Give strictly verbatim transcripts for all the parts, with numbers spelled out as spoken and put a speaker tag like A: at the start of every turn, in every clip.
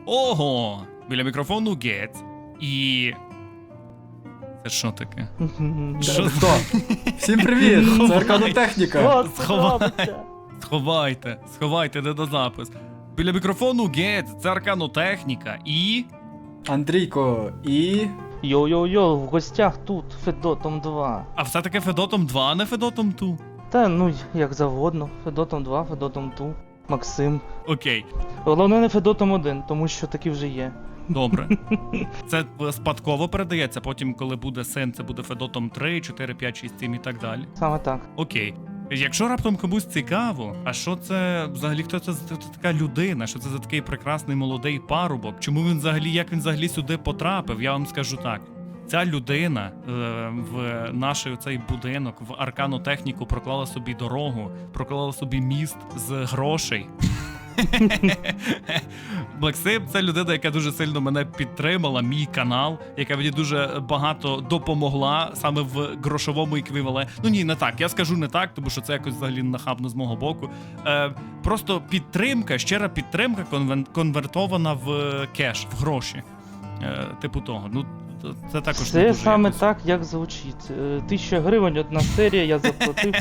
A: Ого! Біля мікрофону Гець. І... Це що таке? Що?
B: Хто? Всім привіт! Це Арканотехніка.
A: Сховайте. Сховайте, сховайте недозапис. Біля мікрофону Гець, це Арканотехніка і...
B: Андрійко і...
C: Йо-йо-йо, в гостях тут, Федотом два.
A: А все-таки Федотом два, а не Федотом два.
C: Та ну, як завгодно. Федотом два, Федотом два, Максим.
A: Окей,
C: Головне не Федотом один, тому що такі вже є.
A: добре. Це спадково передається, потім, коли буде син, це буде Федотом три, чотири, п'ять, шість, сім і так далі.
C: Саме так.
A: Окей. Якщо раптом комусь цікаво, а що це взагалі, хто це за така людина, що це за такий прекрасний молодий парубок, чому він взагалі, як він взагалі сюди потрапив, я вам скажу так. Ця людина е, в наш цей будинок, в Арканотехніку проклала собі дорогу, проклала собі міст з грошей. Максим — це людина, яка дуже сильно мене підтримала, мій канал, яка мені дуже багато допомогла саме в грошовому еквіваленті. Ну ні, не так, я скажу не так, тому що це якось взагалі нахабно з мого боку. Е, просто підтримка, щира підтримка конвен- конвертована в кеш, в гроші. Е, типу того. Ну, це також не
C: Це
A: дуже
C: саме
A: якось.
C: так, як звучить. Е, Тисяча гривень, одна серія, я заплатив.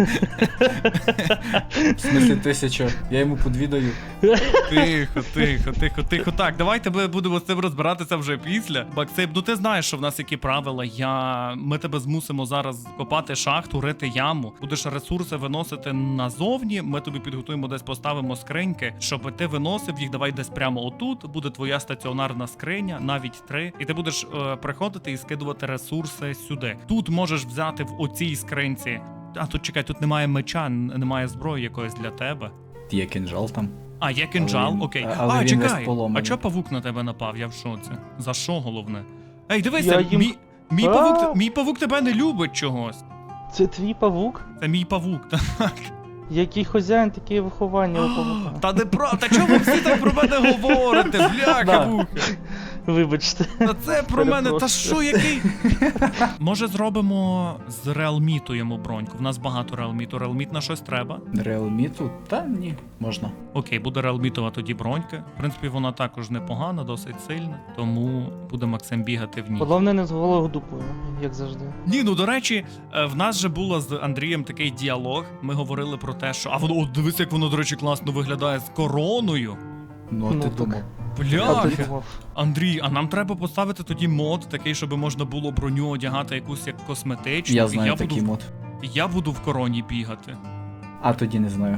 B: В смислі тисяча. Я йому подвідаю.
A: Тихо, тихо, тихо, тихо. Так, давайте ми будемо з цим розбиратися вже після. Максим, ну ти знаєш, що в нас які правила. Я... Ми тебе змусимо зараз копати шахту, рити яму. Будеш ресурси виносити назовні. Ми тобі підготуємо, десь поставимо скриньки, щоб ти виносив їх. Давай десь прямо отут. Буде твоя стаціонарна скриня, навіть три. І ти будеш е, приходити і скидувати ресурси сюди. Тут можеш взяти в оцій скринці. А тут чекай, тут немає меча, немає зброї якоїсь для тебе.
B: Є кинжал там.
A: А, є кинджал,
B: Але він-
A: окей.
B: але
A: а,
B: він
A: чекай,
B: весь поломаний.
A: а чого павук на тебе напав? Я в шоці. За що головне? Ей, дивися,
C: Я їм-
A: мій, мій,
C: А!
A: павук, мій павук тебе не любить чогось.
C: Це твій павук?
A: Це мій павук, так.
C: Який хазяїн, таке і виховання у павука.
A: Та не про... Та чому ви всі так про мене говорите, бляха
B: Да.
A: муха?
C: Вибачте.
A: Та це про мене, та
C: Перепрошую.
A: що, який? Може зробимо з реалміту йому броньку? В нас багато реалміту. Реалміт на щось треба?
B: Реалміту? Та ні, можна.
A: Окей, буде реалмітова тоді бронька. В принципі, вона також непогана, досить сильна. Тому буде Максим бігати в ній.
C: Головне не з голою дупою, як завжди.
A: Ні, ну до речі, е, в нас же було з Андрієм такий діалог. Ми говорили про те, що. А воно, от дивись, як воно, до речі, класно виглядає з короною.
B: Ну, а
C: Ну,
B: ти
C: так.
B: думав.
C: А
A: Бляха.
C: ти думав.
A: Андрій, а нам треба поставити тоді мод такий, щоб можна було броню одягати якусь як косметичну.
B: Я
A: і
B: знаю
A: я
B: такий
A: буду,
B: мод.
A: і я буду в короні бігати.
B: А тоді не знаю.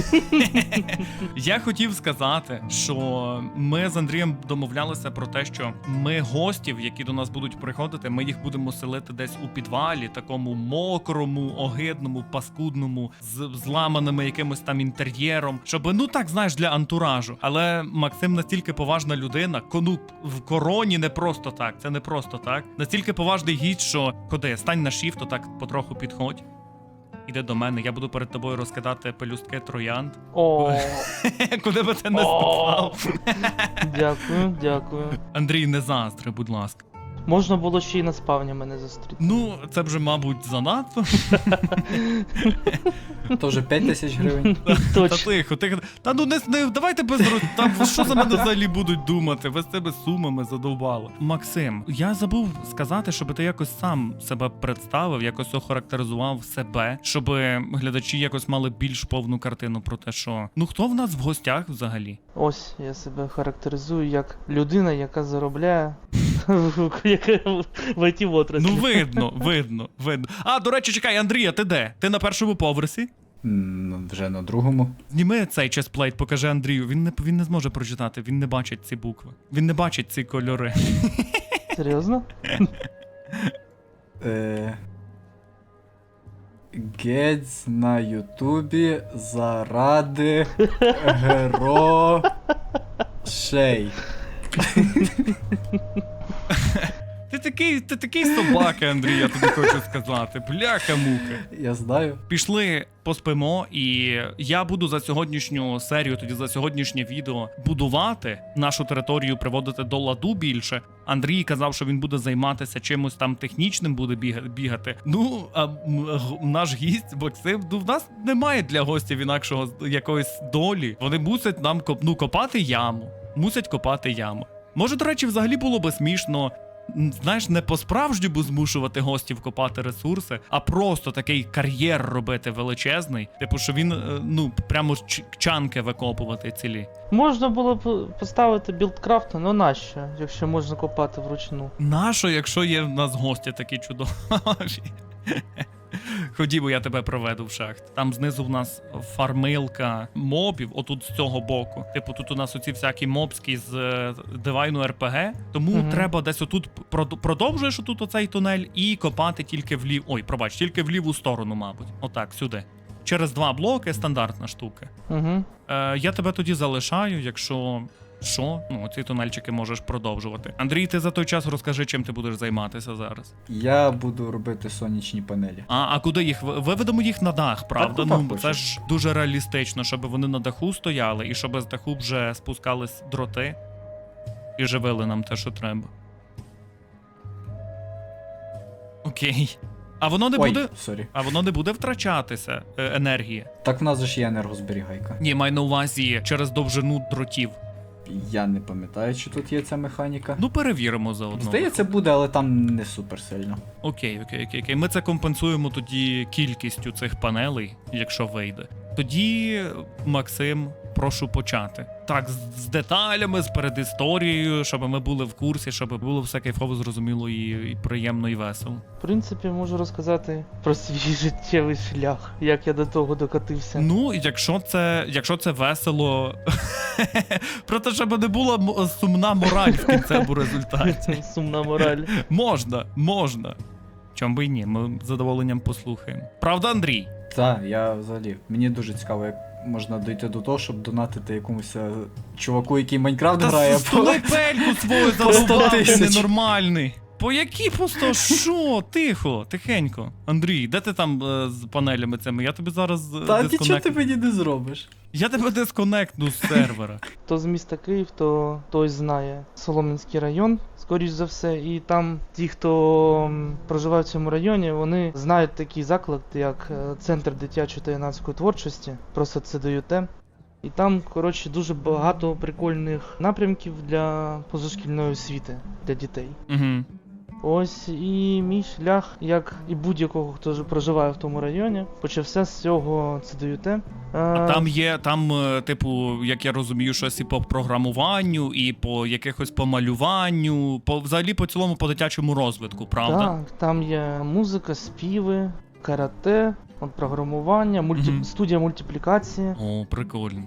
A: Я хотів сказати, що ми з Андрієм домовлялися про те, що ми гостів, які до нас будуть приходити, ми їх будемо селити десь у підвалі, такому мокрому, огидному, паскудному, з зламаними якимось там інтер'єром, щоб, ну так, знаєш, для антуражу. Але Максим настільки поважна людина, кону в короні не просто так, це не просто так. Настільки поважний гість, що ходи, стань на шіфт, отак потроху підходь. Іди до мене, я буду перед тобою розкидати пелюстки троянд.
C: О,
A: Куди би ти не
C: О.
A: ступав.
C: дякую, дякую.
A: Андрій, не заздри, будь ласка.
C: Можна було ще й на спавні мене зустріти.
A: Ну, це вже, мабуть, занадто.
B: То вже п'ять тисяч гривень.
A: Та
C: Точно.
A: тихо, тихо. Та ну не, не давайте без роз... Там що за мене взагалі будуть думати? Ви з цими сумами задовбали. Максим, я забув сказати, щоб ти якось сам себе представив, якось охарактеризував себе, щоб глядачі якось мали більш повну картину про те, що ну хто в нас в гостях взагалі?
C: Ось я себе характеризую як людина, яка заробляє яка в ай ті-отраслі.
A: Ну видно, видно, видно. А, до речі, чекай, Андрія, ти де? Ти на першому поверсі?
B: Ну, вже на другому.
A: Зніми цей честплейт, покажи Андрію. Він не, він не зможе прочитати, він не бачить ці букви. Він не бачить ці кольори.
C: Серйозно?
B: Е... Гець на Ютубі заради грошей.
A: Ти такий, ти такий собака, Андрій, я тобі хочу сказати. Бляха-муха.
B: Я знаю.
A: Пішли, поспимо, і я буду за сьогоднішню серію, тоді за сьогоднішнє відео будувати нашу територію, приводити до ладу більше. Андрій казав, що він буде займатися чимось там технічним, буде біга- бігати. Ну, а м, г- наш гість Максим, ну в нас немає для гостів інакшого з- якоїсь долі. Вони мусять нам коп, ну, копати яму. мусять копати яму. Може, до речі, взагалі було би смішно, м, знаєш, не по-справжньому змушувати гостів копати ресурси, а просто такий кар'єр робити величезний. Типу, що він, е, ну, прямо ч- чанки викопувати цілі.
C: Можна було б поставити білдкрафт, ну нащо, якщо можна копати вручну.
A: Нащо, якщо є в нас гості такі чудові? Ходімо, я тебе проведу в шахт. Там знизу в нас фармилка мобів, отут з цього боку. Типу, тут у нас оці всякі мобські з е, дивайну ар пі ге. Тому
C: Мгм.
A: треба десь отут прод- продовжуєш отут оцей тунель і копати тільки в лів... Ой, пробач, тільки в ліву сторону, мабуть. Отак, сюди. Через два блоки, стандартна штука.
C: Угу.
A: Е, я тебе тоді залишаю, якщо що, ну, ці тунельчики можеш продовжувати. Андрій, ти за той час розкажи, чим ти будеш займатися зараз.
B: Я буду робити сонячні панелі.
A: А, а куди їх? Ви- Виведемо їх на дах, правда?
B: куди
A: Ну,
B: хочеш.
A: це ж дуже реалістично, щоб вони на даху стояли, і щоб з даху вже спускались дроти і живили нам те, що треба. Окей. А воно не
B: Ой,
A: буде.
B: сорі.
A: А воно не буде втрачатися е, енергії.
B: Так в нас же ж є енергозберігайка.
A: Ні, маю на увазі через довжину дротів.
B: Я не пам'ятаю, чи тут є ця механіка.
A: Ну, перевіримо заодно.
B: Здається, буде, але там не супер сильно.
A: Окей, окей, окей, окей. Ми це компенсуємо тоді кількістю цих панелей, якщо вийде. Тоді, Максим, прошу почати. Так, з, з деталями, з передісторією, щоб ми були в курсі, щоб було все кайфово, зрозуміло і, і приємно, і весело.
C: В принципі, можу розказати про свій життєвий шлях, як я до того докатився.
A: Ну, якщо це, якщо це весело, про те, щоб не була м- сумна мораль в кінцевому результаті.
C: Сумна мораль.
A: Можна, можна. Чом би й ні, ми з задоволенням послухаємо. Правда, Андрій?
B: Так, я взагалі. Мені дуже цікаво, як можна дойти до того, щоб донатити якомусь е, чуваку, який Майнкрафт грає.
A: Та столи пельку свою
B: по сто
A: задовбав, ти
B: тисяч.
A: ненормальний. По які по сто? Що? Тихо, тихенько. Андрій, де ти там е, з панелями цими? Я тобі зараз е,
B: Та нічого
A: дисконект...
B: ти мені не зробиш.
A: Я тебе дисконектну з сервера.
C: Хто з міста Київ, то той знає Солом'янський район, скоріш за все. І там ті, хто м, проживає в цьому районі, вони знають такий заклад, як е, Центр дитячої та юнацької творчості, просто це дають. І там, коротше, дуже багато прикольних напрямків для позашкільної освіти для дітей.
A: Угу.
C: Ось і мій шлях, як і будь-якого, хто ж проживає в тому районі, почався з цього ЦДЮТ.
A: А там є, там, е, типу, як я розумію, щось і по програмуванню, і по якихось помалюванню, по взагалі по цілому по дитячому розвитку, правда?
C: Так, там є музика, співи, карате, от програмування, мульті...
A: Мгм.
C: студія мультиплікації.
A: О, прикольно.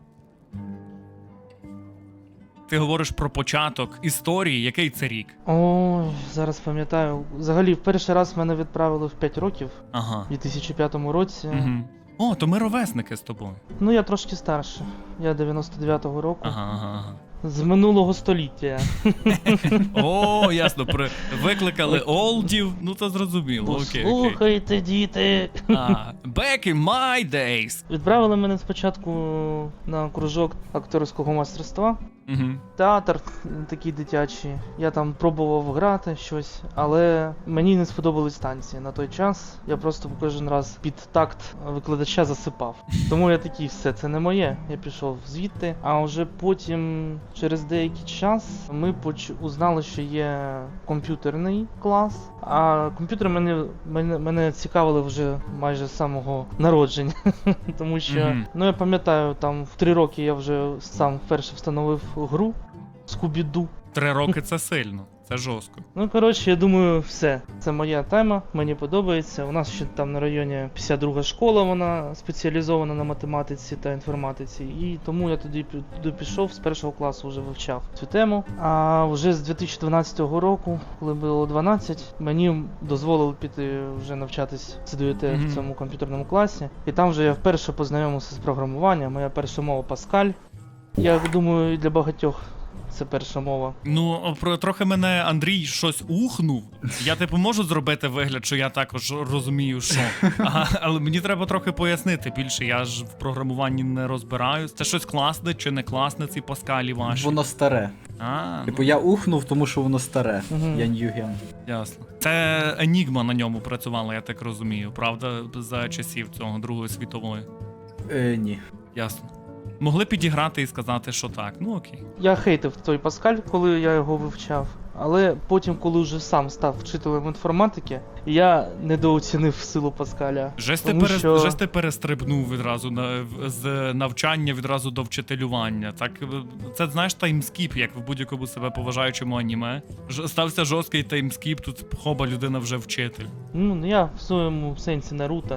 A: Ти говориш про початок історії, який це рік?
C: Ой, зараз пам'ятаю. Взагалі, в перший раз мене відправили в п'ять років,
A: Ага.
C: у дві тисячі п'ятому році.
A: Угу. О, то ми ровесники з тобою.
C: Ну, я трошки старше. Я дев'яносто дев'ятого року.
A: Ага, ага, ага.
C: З минулого століття.
A: О, ясно, при... викликали олдів, ну це зрозуміло. Окей, окей.
C: Слухайте, діти.
A: А, back in my days.
C: Відправили мене спочатку на кружок акторського майстерства.
A: Угу.
C: Театр такий дитячий. Я там пробував грати щось, але мені не сподобались танці на той час. Я просто кожен раз під такт викладача засипав. Тому я такий, все, це не моє. Я пішов звідти. А вже потім, через деякий час, ми поч... узнали, що є комп'ютерний клас. А комп'ютери мене, мене, мене цікавили вже майже з самого народження. Тому що,
A: Мгм.
C: ну я пам'ятаю, там в три роки я вже сам вперше встановив гру Скубіду.
A: Три роки це сильно, це жорстко.
C: Ну, коротше, я думаю, все. Це моя тема, мені подобається. У нас ще там на районі п'ятдесят друга школа, вона спеціалізована на математиці та інформатиці. І тому я туди, пі- туди пішов, з першого класу вже вивчав цю тему. А вже з дві тисячі дванадцятого року, коли було дванадцять, мені дозволили піти вже навчатись в ЦДЮТ
A: Мгм.
C: в цьому комп'ютерному класі. І там вже я вперше познайомився з програмуванням. Моя перша мова Паскаль. Я думаю, і для багатьох це перша мова.
A: Ну, про трохи мене Андрій щось ухнув. Я типу можу зробити вигляд, що я також розумію, що. Ага, але мені треба трохи пояснити більше. Я ж в програмуванні не розбираюсь. Це щось класне чи не класне, ці паскалі ваші.
B: Воно старе.
A: А,
B: Типу я ухнув, тому що воно старе.
C: Мгм.
B: Я ньюген.
A: ясно. Це Енігма на ньому працювала, я так розумію, правда, за часів цього Другої світової.
B: Е, ні.
A: Ясно. Могли підіграти і сказати, що так. Ну окей.
C: Я хейтив той Паскаль, коли я його вивчав. Але потім, коли вже сам став вчителем інформатики, я недооцінив силу Паскаля.
A: Жесть ти,
C: Тому
A: перес...
C: що-
A: Жесть ти перестрибнув відразу на... в- з навчання відразу до вчителювання. Так, е, це, знаєш, таймскіп, як в будь-якому себе поважаючому аніме. Ж... Стався жорсткий таймскіп, тут хоба, людина вже вчитель.
C: Ну, ну, я в своєму сенсі Наруто.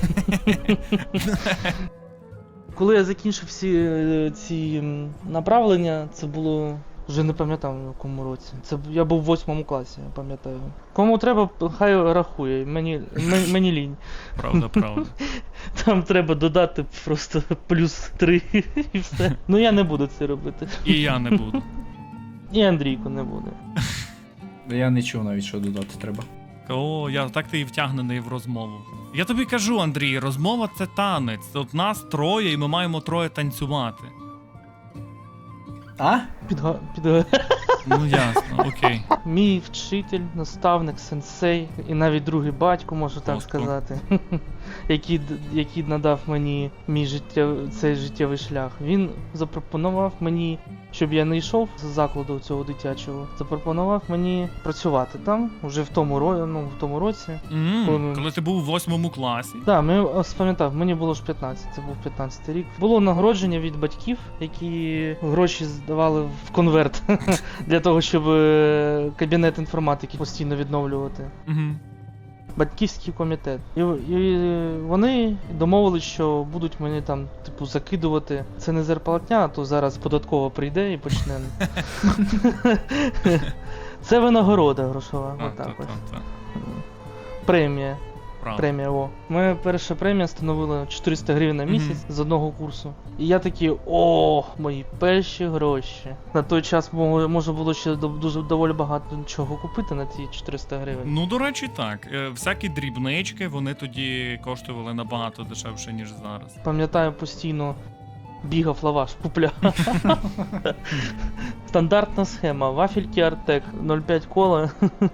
C: Коли я закінчив всі е, ці м, направлення, це було. Вже не пам'ятаю в якому році. Це б- я був в восьмому класі, я пам'ятаю. Кому треба, хай рахує. Мені, м- мені лінь.
A: Правда, правда.
C: Там треба додати просто плюс три і все. Ну я не буду це робити.
A: І я не буду.
C: І Андрійко не буде.
B: Я не чув навіть, що додати треба.
A: О, я так ти і втягнений в розмову. Я тобі кажу, Андрій, розмова це танець. От нас троє, і ми маємо троє танцювати.
B: А?
C: Підга... Підга...
A: Ну ясно, окей.
C: Мій вчитель, наставник, сенсей і навіть другий батько, можу так
A: Господи.
C: сказати, який, д- який надав мені мій життя... цей життєвий шлях. Він запропонував мені, щоб я не йшов з закладу цього дитячого, запропонував мені працювати там, уже в тому, ро... ну, в тому році.
A: М,
C: Коли ми-
A: Коли ти був у восьмому класі.
C: Так, ми ось пам'ятав, мені було ж п'ятнадцять, це був п'ятнадцятий рік. Було нагородження від батьків, які гроші здавали в конверт для того, щоб е, кабінет інформатики постійно відновлювати.
A: Угу.
C: Батьківський комітет. І, і вони домовились, що будуть мені там, типу, закидувати. Це не зарплатня, а то зараз податкова прийде і почне. Це винагорода грошова. Отак ось. Премія.
A: Правда.
C: Премія, о. Моя перша премія становила чотириста гривень на місяць з одного курсу. І я такий, о, мої перші гроші. На той час мо- можна було ще до- дуже доволі багато чого купити на ті чотириста гривень.
A: Ну, до речі, так. Е, Всякі дрібнички, вони тоді коштували набагато дешевше, ніж зараз.
C: Пам'ятаю, постійно бігав лаваш, купляв. Стандартна схема. Вафельки Артек, нуль цілих п'ять кола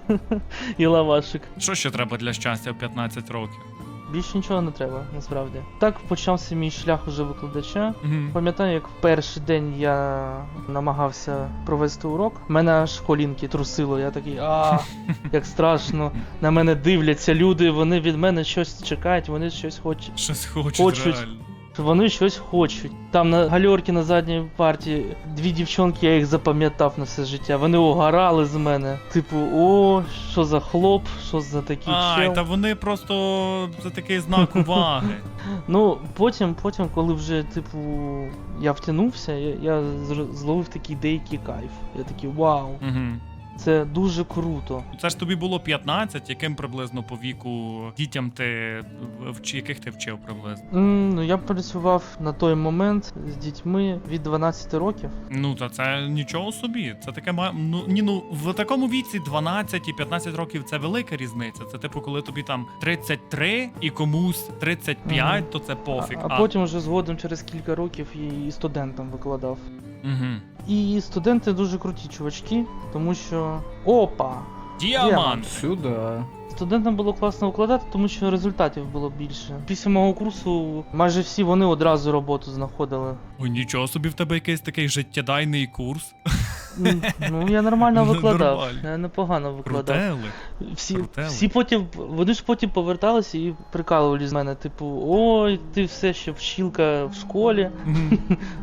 C: і лавашик.
A: Що ще треба для щастя в п'ятнадцять років?
C: Більше нічого не треба, насправді. Так почався мій шлях уже викладача.
A: Угу.
C: Пам'ятаю, як в перший день я намагався провести урок, мене аж колінки трусило, я такий, а як страшно. На мене дивляться люди, вони від мене щось чекають, вони щось хочуть.
A: Щось хочуть,
C: Хочуть.
A: реально.
C: Вони щось хочуть. Там на гальорці на задній парті дві дівчонки, я їх запам'ятав на все життя. Вони угорали з мене. Типу, о, що за хлоп, що за такий
A: Ай,
C: чел.
A: та вони просто за такий знак уваги.
C: Ну, потім, потім, коли вже, типу, я втягнувся, я, я зр- зловив такий деякий кайф. Я такий, вау,
A: Угу.
C: це дуже круто.
A: Це ж тобі було п'ятнадцять, яким приблизно по віку дітям ти вч... яких ти вчив приблизно?
C: М, ну, я працював на той момент з дітьми від дванадцяти років.
A: Ну та це нічого собі. Це таке ма- ну ні, ну в такому віці дванадцять і п'ятнадцять років це велика різниця. Це типу, коли тобі там тридцять три і комусь тридцять п'ять,
C: Мгм.
A: то це пофіг.
C: А, а потім вже згодом через кілька років і, і студентам викладав.
A: Угу.
C: І студенти дуже круті чувачки, тому що. Опа!
A: Діамант.
B: Сюди.
C: Студентам було класно викладати, тому що результатів було більше. Після мого курсу майже всі вони одразу роботу знаходили.
A: Ой, нічого собі в тебе якийсь такий життєдайний курс.
C: М, Ну, я нормально викладав,
A: Нормально.
C: я непогано викладав.
A: Крутели.
C: Всі,
A: крутели.
C: всі потім, вони ж потім поверталися і прикалували з мене, типу, ой, ти все ще вчилка в школі
A: Мгм.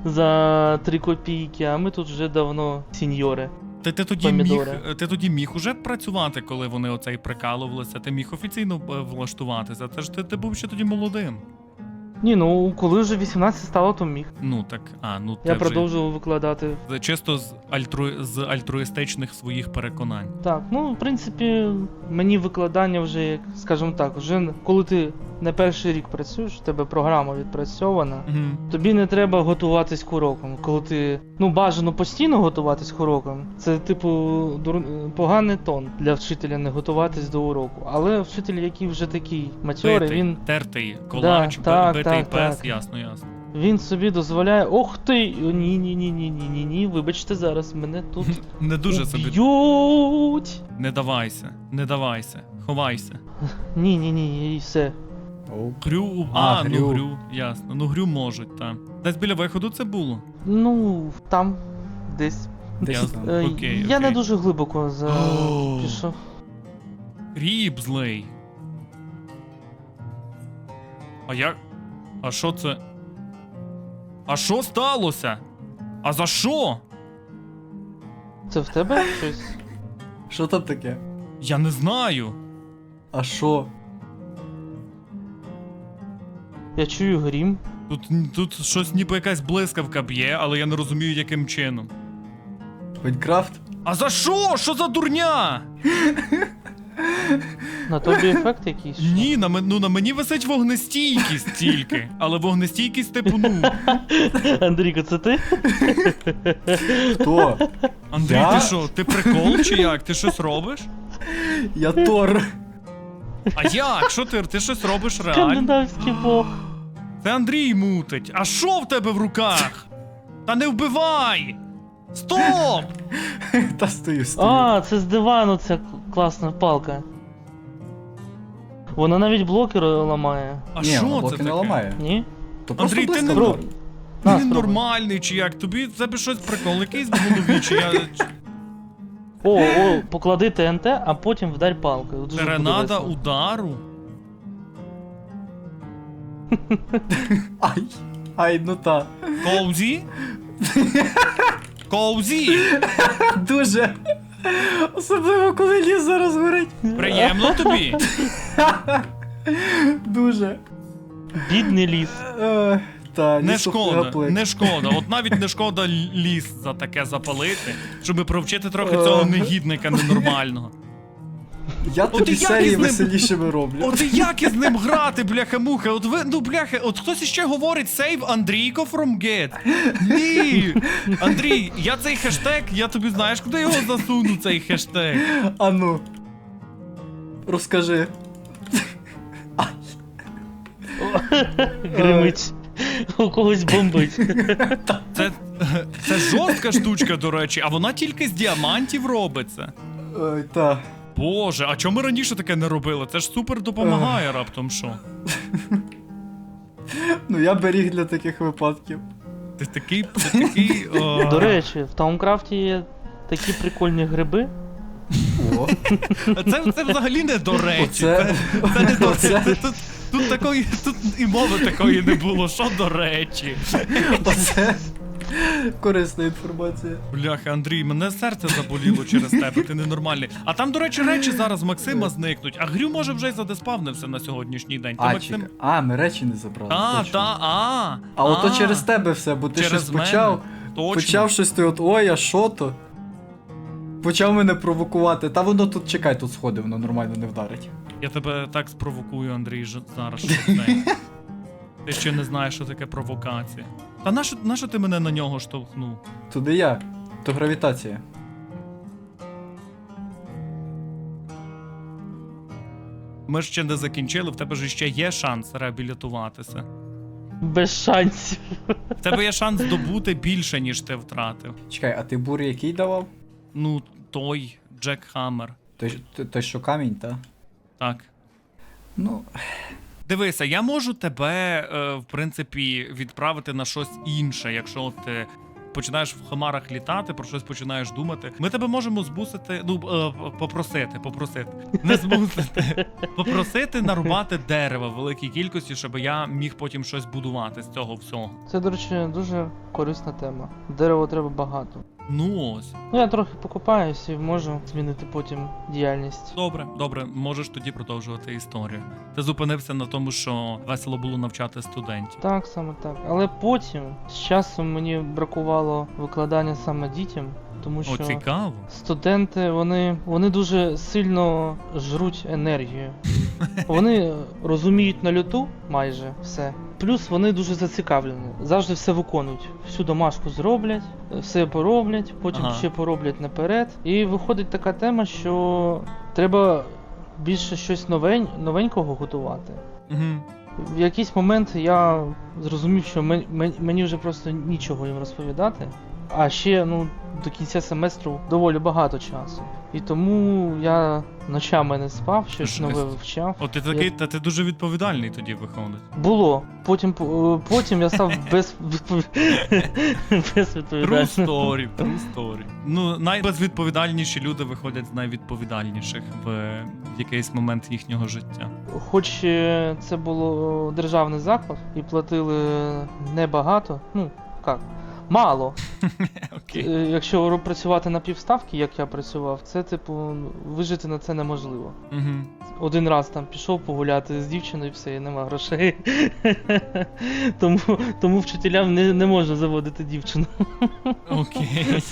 C: за три копійки, а ми тут вже давно сіньори.
A: Ти, ти тоді міг,
C: Помідори.
A: ти тоді міг уже працювати, коли вони оцей прикалувалися. Ти міг офіційно е, влаштуватися. Це ж ти, ти був ще тоді молодим.
C: Ні, ну коли вже вісімнадцять стало, то міг.
A: Ну так, а ну
C: Я
A: ти
C: продовжував викладати.
A: вже чисто з альтру з альтруїстичних своїх переконань.
C: Так, ну в принципі, мені викладання вже, як скажімо так, вже коли ти не перший рік працюєш, у тебе програма відпрацьована.
A: Угу.
C: Тобі не треба готуватись к урокам. Коли ти ну бажано постійно готуватись к урокам, це типу дур... поганий тон для вчителя не готуватись до уроку. Але вчитель, який вже такий матьорий,
A: Битий,
C: він,
A: тертий колач,
C: Да, так,
A: битий
C: так,
A: пес,
C: так.
A: ясно, ясно.
C: він собі дозволяє. Ох ти! Ні, ні, ні, ні, ні, ні, ні. Вибачте, зараз мене тут
A: Не дуже собі.
C: уб'ють.
A: Не давайся, не давайся, ховайся.
C: Ні, ні, ні, і все.
B: Оу.
A: Грю. А,
B: А,
A: ну
B: грю.
A: грю, ясно. Ну грю можуть, так. Десь біля виходу це було.
C: Ну, там, десь.
B: Десь
A: Ясно.
B: там.
C: Е,
A: Окей,
C: я не
A: окей.
C: дуже глибоко за...
A: О.
C: пішов.
A: Рібзлей. А як? А що це? А що сталося? А за що?
C: Це в тебе щось?
B: Що там таке?
A: Я не знаю.
B: А що?
C: Я чую грім.
A: Тут, тут щось ніби якась блискавка б'є, але я не розумію, яким чином.
B: Майнкрафт?
A: А за що? Що за дурня?
C: На тобі ефект якийсь? що?
A: Ні, на, мен- ну, на мені висить вогнестійкість тільки. Але вогнестійкість типу, ну.
C: Андрійко, це ти?
B: Хто?
A: Андрій,
B: Я?
A: ти що, ти прикол чи як? Ти щось робиш?
B: Я Тор.
A: А як? Що ти? Ти щось робиш реально?
C: Скандинавський бог.
A: Це Андрій мутить. А що в тебе в руках? Та не вбивай! Стоп!
B: Та стою, стою.
C: А, це з дивану ця класна палка. Вона навіть блоки ро- ламає.
A: А
B: Ні,
A: що
B: вона
A: це
B: блоки
A: таке?
B: не ламає.
C: Ні?
B: То просто
A: Андрій, ти не,
B: блискавка.
C: Спробуй.
A: ти
C: На,
A: не
C: спробуй.
A: нормальний чи як? Тобі в тебе щось прикол якийсь в голові, чи я.
C: О, о, поклади ТНТ, а потім вдарь палкою. Дуже буде
A: Теренада
C: весело.
A: удару?
B: Ай. Ай, ну та.
A: Коузі? Коузі?
B: Дуже. Особливо, коли ліс зараз горить.
A: Приємно тобі?
B: Дуже.
C: Бідний ліс.
B: Е, Та,
A: Не
B: лісу
A: шкода,
B: фляплик.
A: не шкода. От навіть не шкода ліс за таке запалити, щоб провчити трохи
B: Е.
A: цього негідника ненормального.
B: Я
A: От
B: тобі
A: і як
B: серії
A: із ним-
B: веселішими роблю.
A: От і як із ним грати, бляха-муха? От ви, ну бляха, от хтось іще говорить save Андрійко from get. Ні! Андрій, я цей хештег, я тобі знаєш, куди його засуну, цей хештег?
B: А ну. Розкажи.
C: Гримить. У когось бомбить.
A: Це, це жорстка штучка, до речі, а вона тільки з діамантів робиться.
B: Ой, та.
A: Боже, а чому ми раніше таке не робили? Це ж супер допомагає раптом що.
B: Ну я беріг для таких випадків.
A: Ти такий, ти такий. О...
C: До речі, в Таункрафті є такі прикольні гриби.
B: О,
A: Це, це взагалі не до речі.
B: Оце-
A: Це, це не до
B: оце-
A: це, тут, тут такої, тут і мови такої не було. Що до речі?
B: оце корисна інформація.
A: Бляха, Андрій, мене серце заболіло через тебе, ти ненормальний. А там, до речі, речі зараз Максима зникнуть, а Грю може вже й задеспавнився на сьогоднішній день. То
B: А,
A: Максим...
B: чекай. А, ми речі не забрали.
A: А,
B: точно.
A: та, а.
B: А ото
A: а,
B: через тебе все, бо ти
A: через
B: щось
A: мене.
B: почав.
A: Точно.
B: Почав щось ти от, ой, а що то? Почав мене провокувати. Та воно тут, чекай, тут сходи, воно нормально не вдарить.
A: Я тебе так спровокую, Андрій, ж- зараз, що ти знаєш. Ти ще не знаєш, що таке провокація. Та нащо, нащо ти мене на нього штовхнув?
B: Туди я. То гравітація.
A: Ми ж ще не закінчили, в тебе ж ще є шанс реабілітуватися.
C: Без шансів.
A: В тебе є шанс здобути більше, ніж ти втратив.
B: Чекай, а ти бур який давав?
A: Ну, той Джек Хаммер.
B: Той, той, той що камінь, та?
A: Так.
B: Ну,
A: Дивися, я можу тебе, е, в принципі, відправити на щось інше, якщо ти починаєш в хмарах літати, про щось починаєш думати. Ми тебе можемо збусити, ну, е, попросити, попросити. Не збусити. Попросити нарубати дерева в великій кількості, щоб я міг потім щось будувати з цього всього.
C: Це, до речі, дуже корисна тема. Дерева треба багато.
A: Ну ось.
C: Ну я трохи покупаюсь і можу змінити потім діяльність.
A: Добре, добре, можеш тоді продовжувати історію. Ти зупинився на тому, що весело було навчати студентів.
C: Так, саме так. Але потім з часом мені бракувало викладання саме дітям, тому
A: О,
C: що
A: цікаво.
C: студенти вони, вони дуже сильно жруть енергію. Вони розуміють на люту майже все. Плюс вони дуже зацікавлені. Завжди все виконують. Всю домашку зроблять, все пороблять, потім
A: Ага.
C: ще пороблять наперед. І виходить така тема, що треба більше щось новень, новенького готувати.
A: Угу.
C: В якийсь момент я зрозумів, що мен- мен- мені вже просто нічого їм розповідати. А ще ну, до кінця семестру доволі багато часу. І тому я ночами не спав, щось
A: Жесть.
C: нове вивчав.
A: От ти такий,
C: Я-
A: та ти дуже відповідальний тоді виходить.
C: Було. Потім, по- потім я став без,
A: True
C: безвідповідальним.
A: story, true story. Ну, найбезвідповідальніші люди виходять з найвідповідальніших в якийсь момент їхнього життя.
C: Хоч е, це було державний заклад і платили небагато, ну, як, мало.
A: Окей.
C: Е, Якщо працювати на півставки, як я працював, це, типу, вижити на це неможливо.
A: Угу.
C: Один раз там пішов погуляти з дівчиною, і все, і нема грошей. тому, тому вчителям не, не можна заводити дівчину.
A: Окей.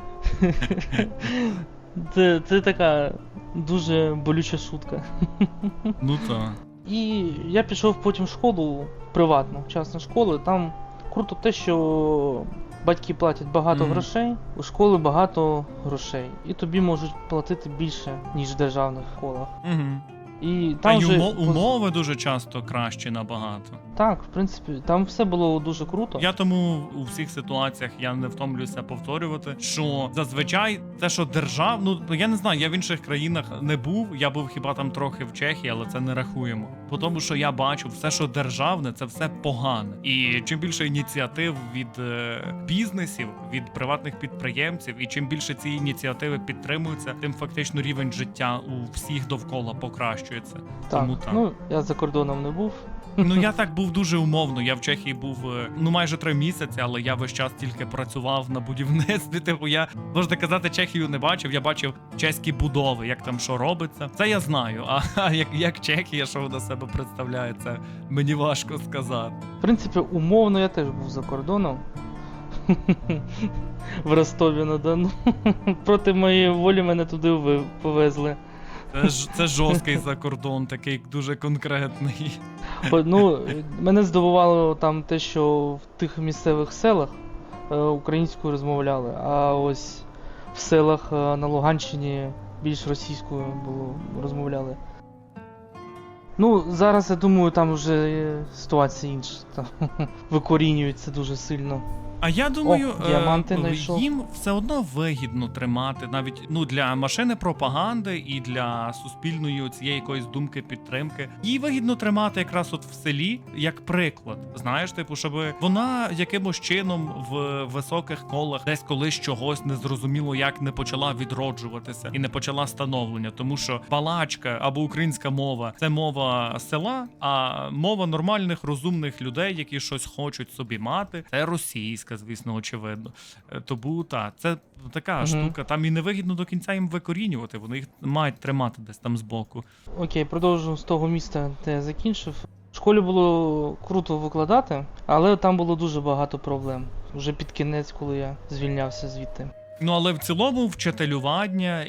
C: Це, це така дуже болюча шутка.
A: Ну так.
C: І я пішов потім в школу приватну, частну школу, і там круто те, що батьки платять багато
A: Мгм.
C: грошей, у школи багато грошей. І тобі можуть платити більше, ніж в державних школах.
A: Угу.
C: І
A: Та
C: там
A: й
C: вже
A: умо- умови дуже часто кращі набагато.
C: Так, в принципі, там все було дуже круто.
A: Я тому у всіх ситуаціях я не втомлююся повторювати, що зазвичай те, що держав, ну я не знаю, я в інших країнах не був. Я був хіба там трохи в Чехії, але це не рахуємо. По тому, що я бачу, все, що державне, це все погане. І чим більше ініціатив від е, бізнесів, від приватних підприємців, і чим більше ці ініціативи підтримуються, тим фактично рівень життя у всіх довкола покращується.
C: так,
A: Тому так.
C: ну я за кордоном не був.
A: Ну я так був дуже умовно. Я в Чехії був е, ну майже три місяці, але я весь час тільки працював на будівництві. Типу, я можна казати, Чехію не бачив. Я бачив чеські будови, як там що робиться. Це я знаю. А, а як, як Чехія, що вона себе представляє, це мені важко сказати.
C: В принципі, умовно я теж був за кордоном. В Ростові на Дону. Проти моєї волі мене туди ви- повезли.
A: Це ж це жорсткий закордон, такий дуже конкретний.
C: О, Ну, мене здивувало там те, що в тих місцевих селах е, українською розмовляли, а ось в селах е, на Луганщині більш російською було розмовляли. Ну, зараз я думаю, там вже е, ситуація інша. Там викорінюється дуже сильно.
A: А я думаю,
C: О, діаманти
A: е,
C: знайшов.
A: їм все одно вигідно тримати навіть ну для машини пропаганди і для суспільної цієї якоїсь думки підтримки. Їй вигідно тримати якраз от в селі як приклад. Знаєш, типу, щоб вона якимось чином в високих колах десь колись чогось незрозуміло як не почала відроджуватися і не почала становлення, тому що балачка або українська мова це мова села, а мова нормальних розумних людей, які щось хочуть собі мати, це російська. Звісно, очевидно. Е, Тому так, це така
C: Мгм.
A: штука. Там і не вигідно до кінця їм викорінювати, вони їх мають тримати десь там збоку.
C: Окей, продовжу з того міста, де я закінчив. В школі було круто викладати, але там було дуже багато проблем. Вже під кінець, коли я звільнявся звідти.
A: Ну але в цілому вчителювання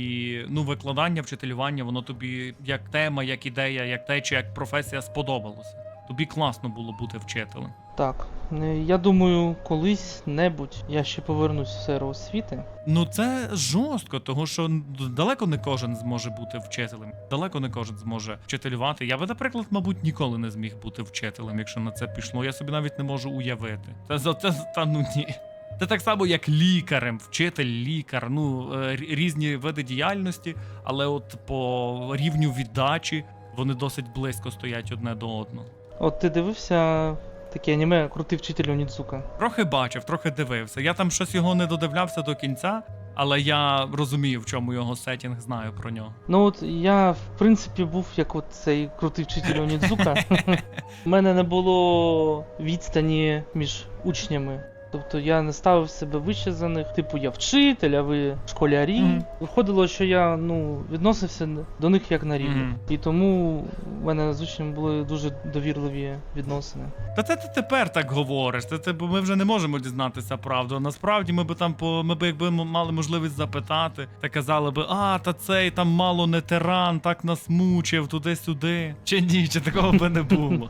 A: і ну викладання, вчителювання, воно тобі як тема, як ідея, як те, чи як професія сподобалося. Тобі класно було бути вчителем.
C: Так, е, я думаю, колись-небудь я ще повернусь в сферу освіти.
A: Ну це жорстко, тому що далеко не кожен зможе бути вчителем. Далеко не кожен зможе вчителювати. Я би, наприклад, мабуть, ніколи не зміг бути вчителем, якщо на це пішло. Я собі навіть не можу уявити. Це за це та ну ні. Це так само, як лікарем, вчитель, лікар, ну е, рі- різні види діяльності, але от по рівню віддачі вони досить близько стоять одне до одного.
C: От ти дивився таке аніме «Крутий вчитель Онідзука»?
A: Трохи бачив, трохи дивився. Я там щось його не додивлявся до кінця, але я розумію, в чому його сеттінг, знаю про нього.
C: Ну от я, в принципі, був як от цей крутий вчитель Онідзука. У мене не було відстані між учнями. Тобто я не ставив себе вище за них. Типу, я вчитель, а ви школярі.
A: Мгм.
C: Виходило, що я ну, відносився до них як на рівні.
A: Мгм.
C: І тому в мене з учнями були дуже довірливі відносини.
A: Та це ти тепер так говориш. Це, це бо ми вже не можемо дізнатися правду. Насправді ми би там по ми би якби м- мали можливість запитати, та казали би, а та цей там мало не тиран, так нас мучив туди-сюди. Чи ні, чи такого би не було.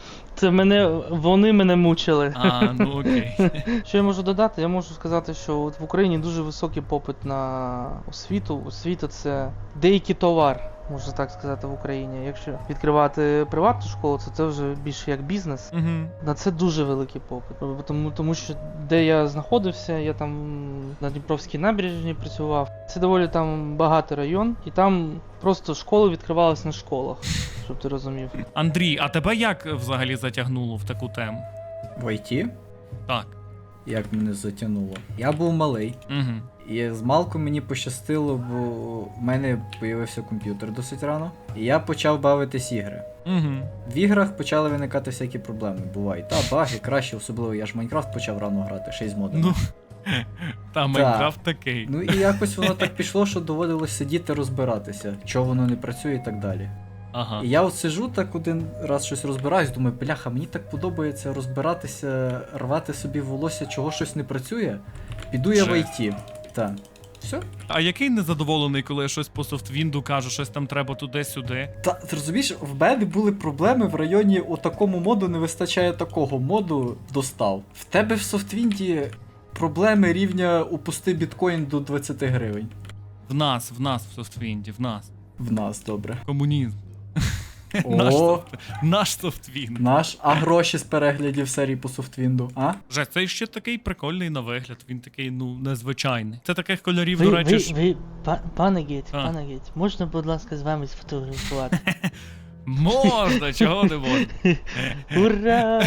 C: Це мене, вони мене мучили.
A: А, ну окей.
C: Що я можу додати? Я можу сказати, що от в Україні дуже високий попит на освіту. Освіта це деякий товар. можна так сказати, в Україні. Якщо відкривати приватну школу, то це вже більше як бізнес.
A: Угу.
C: На це дуже великий попит. Тому, тому що де я знаходився, я там на Дніпровській набережній працював. Це доволі там багатий район, і там просто школи відкривались на школах, щоб ти розумів.
A: Андрій, а тебе як взагалі затягнуло в таку тему?
B: В ай ті?
A: Так.
B: Як мене затягнуло? Я був малий.
A: Угу.
B: І з малку мені пощастило, бо в мене з'явився комп'ютер досить рано. І я почав бавитись ігри.
A: Угу.
B: В іграх почали виникати всякі проблеми. Бувають. Та, баги, краще, особливо я ж Майнкрафт почав рано грати, ще й з модами.
A: Ну, та Майнкрафт такий.
B: Ну і якось воно так пішло, що доводилось сидіти розбиратися, чого воно не працює і так далі.
A: Ага.
B: І я от сиджу так один раз щось розбираюсь, думаю, бляха, мені так подобається розбиратися, рвати собі волосся, чого щось не працює. Піду я в
A: Же.
B: ай ті. Так. Все.
A: А який незадоволений, коли я щось по софтвінду кажу, щось там треба туди-сюди?
B: Та ти розумієш, в мене були проблеми в районі у такому моду не вистачає такого моду достав. В тебе в софтвінді проблеми рівня упусти біткоін до двадцять гривень.
A: В нас, в нас в софтвінді, в нас.
B: В нас, добре.
A: Комунізм. Наш,
B: О,
A: софт... Наш софтвінд.
B: наш, а гроші з переглядів серії по софтвінду, а?
A: Вже цей ще такий прикольний на вигляд, він такий, ну, незвичайний. Це таких кольорів,
C: Ви,
A: до речі,
C: ви,
A: ж...
C: ви, па- пане Геть,
A: А.
C: пане Геть, можна, будь ласка, з вами сфотографувати?
A: Можна, чого не можна.
C: Ура!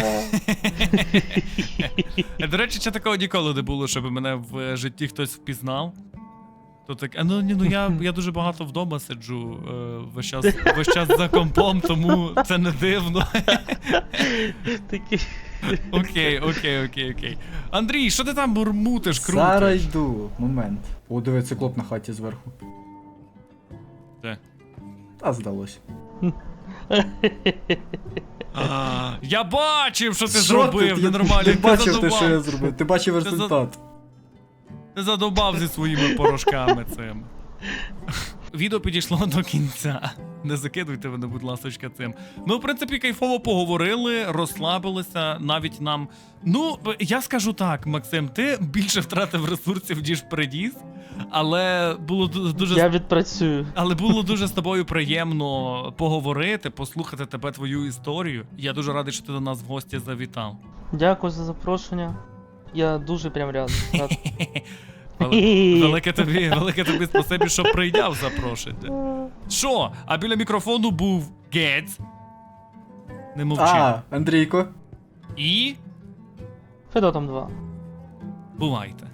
A: До речі, ще такого ніколи не було, щоб мене в житті хтось впізнав. То так, а ну ні, ну я, я дуже багато вдома сиджу е, весь час, весь час за компом, тому це не дивно.
C: Такий.
A: Окей, окей, окей, окей. Андрій, що ти там бурмутиш, крутиш?
B: Зараз йду. Момент. О, диви, циклоп на хаті зверху.
A: Де?
B: Та здалось.
A: А, я бачив, що ти
B: Що
A: зробив,
B: ти? Я
A: ненормально.
B: не бачив ти,
A: задовбав.
B: що я зробив. Ти бачив
A: Ти за-
B: результат.
A: Ти задовбав зі своїми порошками цими. Відео підійшло до кінця. Не закидуйте мене, будь ласочка, цим. Ми, в принципі, кайфово поговорили, розслабилися, навіть нам. Ну, я скажу так, Максим, ти більше втратив ресурсів, ніж приніс, але було ду- дуже.
C: Я відпрацюю.
A: Але було дуже з тобою приємно поговорити, послухати тебе, твою історію. Я дуже радий, що ти до нас в гості завітав.
C: Дякую за запрошення. Я дуже прям рад. рад.
A: Вели- Велике тобі, велике тобі спасибі, що прийняв запрошення. Що? А біля мікрофону був Гець. Не мовчи.
B: А, Андрійко.
A: І
C: Федотом два.
A: бувайте.